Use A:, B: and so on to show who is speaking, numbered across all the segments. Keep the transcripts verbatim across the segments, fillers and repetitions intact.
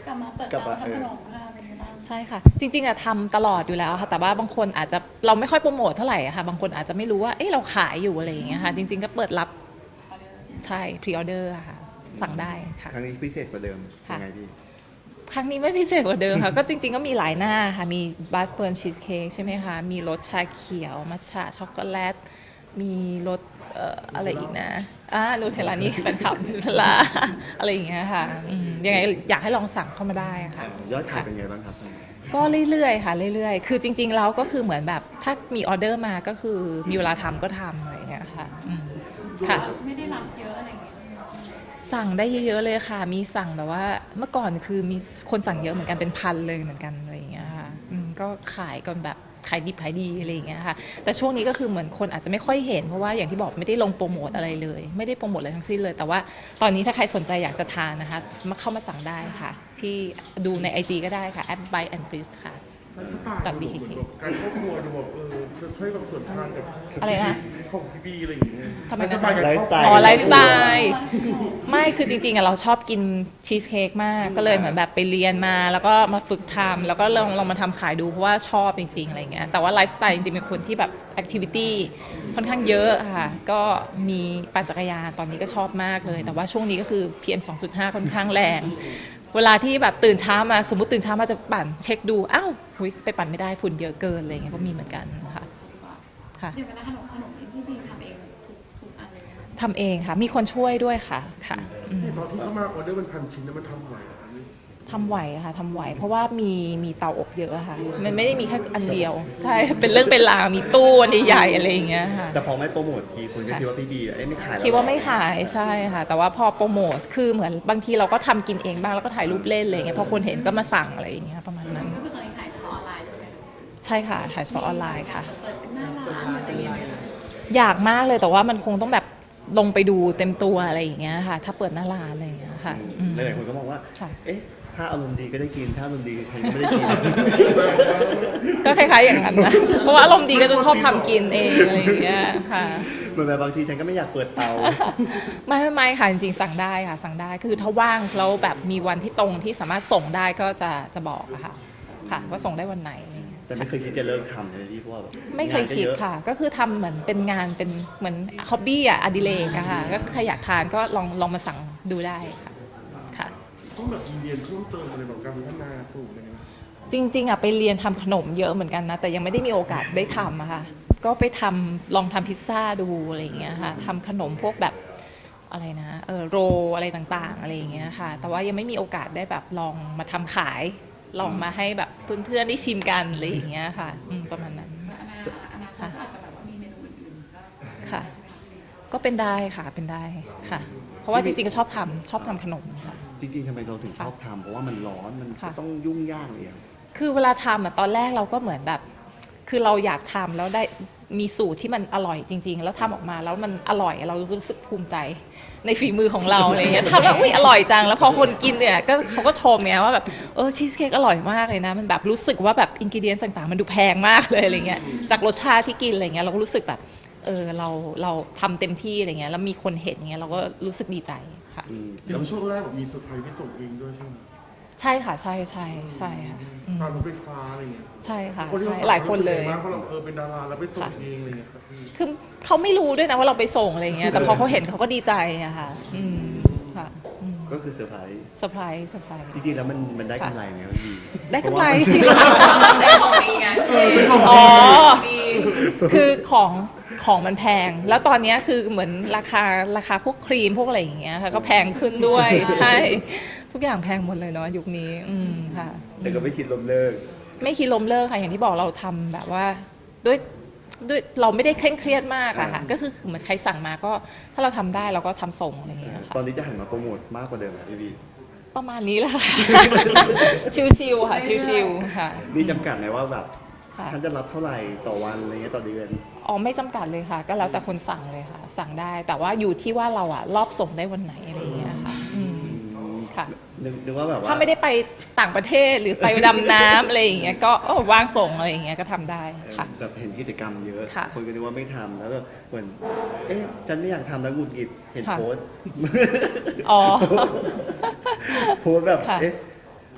A: กลับมาเปิด
B: กลับมา
A: ร้าน
B: เออ
A: ทำขนมค่ะเป็นไงบ้าง
C: ใช่ค่ะจริงๆอะทำตลอดอยู่แล้วค่ะแต่ว่าบางคนอาจจะเราไม่ค่อยโปรโมทเท่าไหร่อะค่ะบางคนอาจจะไม่รู้ว่าเอ๊ะเราขายอยู่อะไรอย่างเงี้ยค่ะจริงๆก็เปิดรับใช่พรีออเดอร์ค่ะสั่งได้ค่ะ
B: ครั้งนี้พิเศษกว่าเดิม
C: ค่ะ
B: ยังไงพี่
C: ครั้งนี้ไม่พิเศษกว่าเดิมค่ะ ก็จริงๆก็มีหลายหน้าค่ะมีบาสเบิร์นชีสเค้กใช่ไหมคะมีรสชาเขียวมัทฉะช็อกโกแลตมีรสเอ่ออะไรอีกนะอ่านูเทลลานี่แฟนคลับนูเทลลาอะไรอย่างเงี้ยค่ะอืมยังไงอยากให้ลองสั่งเข้ามาได้ค่ะ
B: ยอดขายเป็นไงบ้างครับตอนนี้
C: ก็เรื่อยๆค่ะเรื่อยๆ คือจริงๆแล้วก็คือเหมือนแบบถ้ามีออเดอร์มาก็คือมีเวลาทำก็ทำอะไรอย่างเงี้ยค่ะอืมค่ะ
A: ไม่ได้รับเยอะอะไรอย่างเงี้ย
C: สั่งได้เยอะๆเลยค่ะ มีสั่งแบบว่าเมื่อก่อนคือมีคนสั่งเยอะเหมือนกันเป็นพันเลยเหมือนกันอะไรอย่างเงี้ยค่ะอืมก็ขายกันแบบขายดิบขายดีอะไรอย่างเงี้ยค่ะแต่ช่วงนี้ก็คือเหมือนคนอาจจะไม่ค่อยเห็นเพราะว่าอย่างที่บอกไม่ได้ลงโปรโมทอะไรเลย ไม่ได้โปรโมทอะไรทั้งสิ้นเลย แต่ว่าตอนนี้ถ้าใครสนใจอยากจะทานนะคะมาเข้ามาสั่งได้ค่ะ ที่ดูใน ไอ จี ก็ได้ค่ะแอป Buy and Freeze ค่ะ
D: ไลฟ์สไตล์
C: ตัด
D: เหมื
C: บี
D: อน
C: เค
D: แบบการครอบครัวดูแบบเออจะค่อยแบบส่วนทางกับ
C: อะไรนะ
D: ชีวิตของพี่บีอะไรอย่างเงี้ย
C: ทำไมนะ
D: ไลฟ์สไตล์กับครอบครัว
C: อ๋อไลฟ์สไตล์ไม่คือจริงๆอะเราชอบกินชีสเค้กมากก็เลยเหมือนแบบไปเรียนมาแล้วก็มาฝึกทำแล้วก็ลองลองมาทำขายดูเพราะว่าชอบจริงๆอะไรเงี้ยแต่ว่าไลฟ์สไตล์จริงๆเป็นคนที่แบบแอคทิวิตี้ค่อนข้างเยอะค่ะก็มีปั่นจักรยานตอนนี้ก็ชอบมากเลย แต่ว่าช่วงนี้ก็คือ พี เอ็ม สองจุดห้า ค่อนข้างแรง เวลาที่แบบตื่นเช้ามาสมมติตื่นเช้ามาจะปั่นเช็คดูอ้าวหุยไปปั่นไม่ได้ฝุ่นเยอะเกินอะไรเงี้ยก็มีเหมือนกันค่ะค่ะ
A: เดี๋ยวกันนะขนมขนมที่พี่บีทำเองทุกทุกอันเลยนะคะ
C: ทำเองค่ะ มีคนช่วยด้วยค่ะ ค่ะอืม
D: ตอนที่เข้ามาออเดอร์มันพันชิ้นแล้วมันทำไหวเหรอคะนี่
C: ทำไหวค่ะ ทำไหว เพราะว่ามีมีเตาอบเยอะค่ะ มันไม่ได้มีแค่อันเดียว ใช่ เป็นเรื่องเป็นราว มีตู้อันใหญ่ๆอะไรอย่างเงี้ยค่ะ
B: แต่พอไม่โปรโมททีคนก็
C: ค่ะ
B: คิดว่าพี่บีเอ้ยไม่ขายแล้ว
C: คิดว่าไม่ขายใช่ค่ะ แต่ว่าพอโปรโมท คือเหมือนบางทีเราก็ทำกินเองบ้างแล้วก็ถ่ายรูปเล่นอะไรอย่างเงี้ย พอคนเห็นก็มาสั่งอะไรอย่างเงี้ยประมาณนั้น
A: ก็คือตอนนี้ขายเฉพาะออนไลน์ใช่ไหมคะ
C: ใช่ค่ะ ถ่ายเฉพาะออนไลน์ค่ะ
A: เปิดเป็นหน้าร้านอะไรอย่างเงี้ย
C: อยากมากเลย แต่ว่ามันคงต้องแบบลงไปดูเต็มตัวอะไรอย่างเงี้ยค่ะ ถ้าเปิดหน้าร้านอะไรอย่างเงี้ยค่ะอืม
B: หลายๆคนก็มองว่า
C: ค่ะ
B: เอ๊ะถ้าอารมณ์ดีก็ได้กินถ้าอารมณ์ดีฉันก็ไม่ได้กิน
C: ก็คล้ายๆอย่างนั้นนะ เพราะว่าอารมณ์ดีก็จะชอบทำกินเองอะไรอย่างเงี้ยค่ะ
B: เหมือนแบบบางทีฉันก็ไม่อยากเปิดเตา
C: ไม่ไม่ไม่ค่ะจริงๆสั่งได้ค่ะสั่งได้คือถ้าว่างแล้วแบบมีวันที่ตรงที่สามารถส่งได้ก็จะจะบอกอะค่ะค่ะว่าส่งได้วันไหนอะไรอย่างเงี้ย
B: แต่ไม่เคยคิดจะเลิกทำเลยพี่เพราะว่าแบบ
C: ไม่เคยคิด
B: งานก็อะ
C: ค่ะ ก็คือทำเหมือนเป็นงานเป็นเหมือนฮ็อบบี้อะอดิเรกอะค่ะก็ใครอยากทานก็ลองลองมาสั่งดูได้ค่ะค่ะ
D: ต้องแบบเรียนเพิ่มเติมอะไรแบบการพัฒนาสูตรอะไรเงี้ย
C: จริงๆอะไปเรียนทำขนมเยอะเหมือนกันนะแต่ยังไม่ได้มีโอกาสได้ทำอะค่ะก็ไปทำลองทำพิซซ่าดูอะไรอย่างเงี้ยค่ะทำขนมพวกแบบอะไรนะเออโรลอะไรต่างๆอะไรอย่างเงี้ยค่ะแต่ว่ายังไม่มีโอกาสได้แบบลองมาทำขาย ลองมาให้แบบเพื่อนๆได้ชิมกันอะไรอย่างเงี้ยค่ะอืมประมาณนั้น
A: อนาคตอนาคตอาจจะแบบว่ามีเมนูอื่นๆก็
C: ค่ะ ก็เป็นได้ค่ะเป็นได้ค่ะ เพราะว่าจริงๆก็ชอบทำชอบทำขนมค่ะ
B: จริงๆทำไมเราถึงชอบทำเพราะว่ามันร้อนมัน
C: ค่ะ
B: ก็ต้องยุ่งยากเลยอะ
C: คือเวลาทำอะตอนแรกเราก็เหมือนแบบ คือเราอยากทำแล้วได้มีสูตรที่มันอร่อยจริง ๆ แล้วทำออกมาแล้วมันอร่อยเรารู้สึกภูมิใจในฝีมือของเราอะไรเงี้ยทำแล้วอุ้ยอร่อยจังแล้วพอคนกินเนี่ยก็เขาก็ชมไงว่าแบบเออชีสเค้กอร่อยมากเลยนะมันแบบรู้สึกว่าแบบอินกิเดียนต่างๆ มันดูแพงมากเลยอะไรเงี้ยจากรสชาติที่กินอะไรเงี้ยเราก็รู้สึกแบบเออเราเราทำเต็มที่อะไรเงี้ยแล้วมีคนเห็นเงี้ยเราก็รู้สึกดีใจค่ะ
B: อืม
D: แล้วช่วงแรกแบบมีเซอร์ไพรส์ที่ส่งเองด้วยใช่ไหม
C: ใช่ค่ะใช่ใช่ใช่ค่ะอืม
D: ตามรถไฟฟ้าอะไรเงี้ย
C: ใช่ค่ะ
D: คนที่
C: ใช่
D: เขาสั่ง
C: หลายคนเลย
D: รู้สึกไงบ้างเพราะเราเออเป็นดาราแล้วไปส่ง
C: ค่ะ
D: เองอะไรเงี้ยครับพี่
C: คือเขาไม่รู้ด้วยนะว่าเราไปส่งอะไรเงี้ย แต่พอเขาเห็นเขาก็ดีใจอะค่ะ อืม ค่ะอืม
B: ก็คือเซอร์ไพรส์
C: เซอร์ไพรส์เซอร์ไพรส์
B: จริงๆแล้วมันมันได้กำไรไหมครับพี่
C: ได้กำไร
B: เพาะว่า
C: สิคะ
A: ใช้ของดีไง
C: อ๋อ คือของของมันแพง แล้วตอนเนี้ยคือเหมือนราคาราคาพวกครีมพวกอะไรอย่างเงี้ยค่ะก็แพงขึ้นด้วย ใช่ ทุกอย่างแพงหมดเลยเนาะยุคนี้ อืม ค่ะ
B: แต่ก็ไม่คิดล้มเลิก
C: ไม่คิดล้มเลิกค่ะ อย่างที่บอกเราทำแบบว่าด้วยด้วยเราไม่ได้เคร่งเครียดมากอะค่ะ
B: อ่า
C: ก็คือเหมือนใครสั่งมาก็ถ้าเราทำได้เราก็ทำส่งอะไรอย่างเงี้ยค่ะ
B: ตอนนี้จะหันมาโปรโมทมากกว่าเดิมนะพี่บี
C: ประมาณนี้แหละ ค่ะ ชิวๆค่ะ ชิวๆค่ะ
B: มีจำกัดไหมว่าแบบ
C: ค่ะ
B: ฉันจะรับเท่าไหร่ต่อวันอะไรเงี้ยต่อเดือน
C: อ๋อไม่จำกัดเลยค่ะ ก็แล้วแต่คนสั่งเลยค่ะ สั่งได้ แต่ว่าอยู่ที่ว่าเราอะรอบส่งได้วันไหนอะไรอย่างเงี้ยค่ะ อืม ค่ะ
B: นึกนึกว่าแบบว่า
C: ถ้าไม่ได้ไปต่างประเทศหรือไปดำน้ำอะไรอย่างเงี้ยก็เออว่างส่งอะไรอย่างเงี้ยก็ทำได้
B: เออ
C: ค่ะ
B: แบบเห็นกิจกรรมเยอะ
C: ค่ะ
B: คนก็นึกว่าไม่ทำแล้วแบบเหมือน เอ๊ะฉันไม่อยากทำแล้วหงุดหงิดเห็น
C: ค่ะ
B: โพสต์
C: อ๋อ
B: โพสต์แบบ
C: ค่ะ
B: เอ๊ะ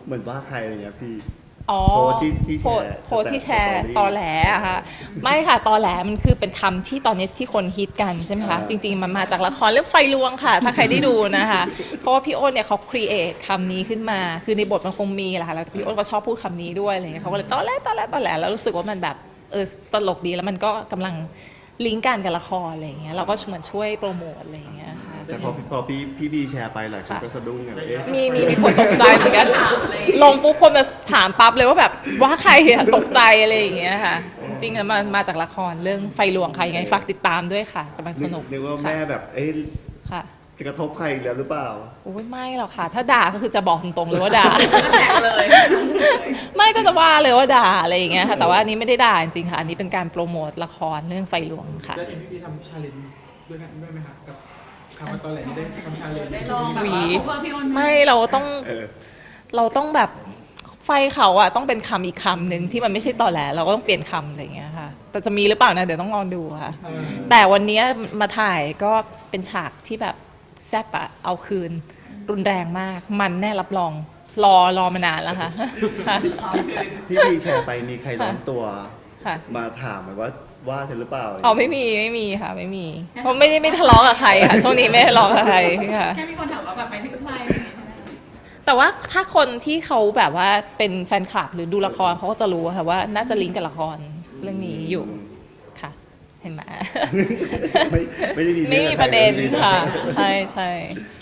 B: เหมือนว่าใครอะไรเงี้ยพี่
C: อ๋อ
B: โพสต์ที่ที่แชร์
C: โพสต์ที่แชร์
B: แต่
C: ตอแหลอะค่ะ ไม่ค่ะตอแหลมันคือเป็นคำที่ตอนนี้ที่คนฮิตกันใช่ไหมคะ
B: อ่า
C: จริง ๆ มันมาจากละครเรื่องไฟลวงค่ะ ถ้าใครได้ดูนะคะ เพราะว่าพี่อ้นเนี่ยเขาครีเอทคำนี้ขึ้นมา คือในบทมันคงมีแหละค่ะแล้วพี่อ้นก็ชอบพูดคำนี้ด้วยอะไรเงี้ยเขาก็เลยตอแหลตอแหลตอแหลแล้วรู้สึกว่ามันแบบเออตลกดีแล้วมันก็กำลังลิงก์กันกับละครอะไรเงี้ยเราก็เหมือนช่วยโปรโมทอะไรเงี้ยค่ะ
B: แต่พอพอพี่พี่บีแชร์ไปหลายคนก็สะดุ้งกันเอ๊ะ
C: มีมีมีคนตกใจเหมือนกัน ลงปุ๊บคนมาถามปั๊บเลยว่าแบบว่าใครอะตกใจอะไรอย่างเงี้ยค่ะ จริงๆแล้วมันมาจากละครเรื่องไฟหลวงค่ะยังไงฝากติดตามด้วยค่ะกำลังสนุก
B: นึกว่า
C: ค่ะ
B: แม่แบบเอ๊ะ
C: ค่ะ
B: จะกระทบใครอีกแล้วหรือเปล่า
C: โอ้ยไม่หรอกค่ะ ถ้าด่าก็คือจะบอกตรงๆเลยว่าด่า
A: แตกเลย
C: ไม่ก็จะว่าเลยว่าด่าอะไรอย่างเงี้ยค่ะแต่ว่าอันนี้ไม่ได้ด่าจริงๆค่ะ อันนี้เป็นการโปรโมทละครเรื่องไฟหลวงค่ะ
E: แล้วเห็นพี่พีทำชาเลนจ์ด้วยกันด้วยไหมคะกับคำว่าตอนแหลได้ทำชาเลนจ์
A: ได้ลองแบบ
C: หวี
A: ว่า cover พี่อ้นห
C: ไม่เราต้อง
B: เออ
C: เราต้องแบบไฟเขาอะต้องเป็นคำอีกคำหนึ่งที่มันไม่ใช่ตอแหลเราก็ต้องเปลี่ยนคำอะไรอย่างเงี้ยค่ะ แต่จะมีหรือเปล่านะเดี๋ยวต้องลองดูค่ะ
E: เออ
C: แต่วันเนี้ยมาถ่ายก็เป็นฉากที่แบบแซ่บอะเอาคืน รุนแรงมาก มันแน่รับรอง รอรอมานานแล้วค่ะ ค่ะ
B: พี่บีแชร์ไปมีใครร้อนตัว
C: ค่ะ
B: มาถามไหมว่าว่าเธอหรือเปล่า
C: อ๋อไม่มีไม่มีค่ะไม่มีเพราะไม่ได้ไม่ทะเลาะกับใครค่ะช่วงนี้ไม่ทะเลาะกับใครค่ะ
A: แค่มีคนถามว่าแบบไปถึงใครอะไรอย่างเงี้ยใช่ไหม
C: แต่ว่าถ้าคนที่เขาแบบว่าเป็นแฟนคลับหรือดูละครเขาก็จะรู้ค่ะว่าน่าจะลิงก์กับละครเรื่องนี้อยู่ค่ะ เห็นไหม
B: ไม่ไม่ได้มี
C: ไม่มี
B: อง
C: ประเด็น
B: ใร
C: ค่ะ
B: ไม่มี
C: ใช่ใช่